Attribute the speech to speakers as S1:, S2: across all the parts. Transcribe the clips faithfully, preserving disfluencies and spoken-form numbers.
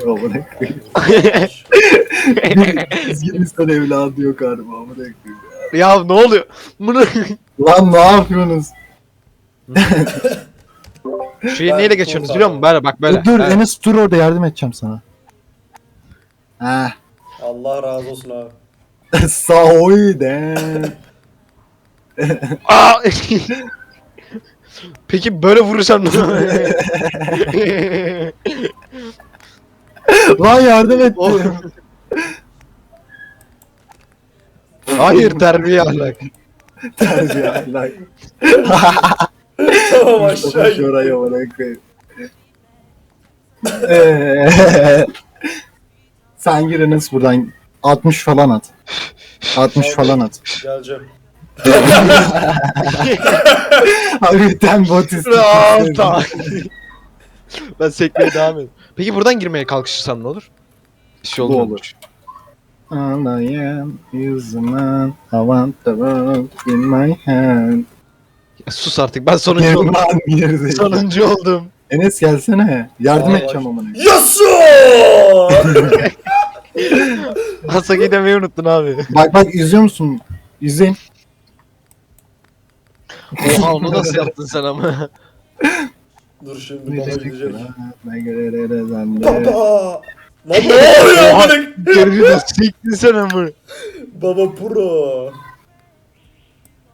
S1: amına koyayım. Düzgün insan evladı yok harbi amına koyayım.
S2: Ya ne oluyor? Bunu
S1: Lan ne yapıyorsunuz?
S2: Şurayı neyle geçiyorsunuz biliyor musun? Böyle bak böyle.
S1: Dur dur
S2: Ha.
S1: Enes dur orada yardım edeceğim sana. Ha.
S3: Allah razı olsun abi.
S1: Sağ ol de.
S2: Aa! Peki böyle vurursam ne?
S1: Lan yardım et.
S2: Oh. Hayır terbiye ahlak.
S1: Terbiye ahlak.
S3: Tamam aşağı
S1: Mustafa
S3: git.
S1: Şoray amına koyayım. Eee, Sen gir Enes buradan altmış falan at. altmış falan at.
S3: Geleceğim.
S1: Harbiden bot
S2: Aa,
S1: istiyor.
S2: tamam. Ben sekmeye devam ediyorum. Peki buradan girmeye kalkışırsam ne olur? Bir şey
S1: Bu
S2: olmuyor.
S1: olur. I am human, I want the world in my hand.
S2: Ya sus artık ben sonuncu
S1: Gel
S2: oldum.
S1: lan yerde.
S2: Sonuncu oldum.
S1: Enes gelsene. Yardım
S3: Aa,
S1: edeceğim
S3: bak.
S1: amına.
S3: Yasu!
S2: Hasaki'yi demeyi unuttun abi.
S1: Bak bak izliyor musun? İzleyin.
S2: Oha onu nasıl yaptın sen ama?
S3: Dur şimdi baba gidecek.
S1: Ne göre sen de.
S3: Baba! Lan ne oluyor
S2: Oha.
S3: amına?
S2: Geri de siktin sen ama.
S3: Baba pro.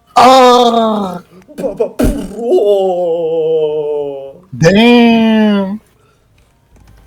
S1: Aa!
S3: Baba pro.
S1: Damn!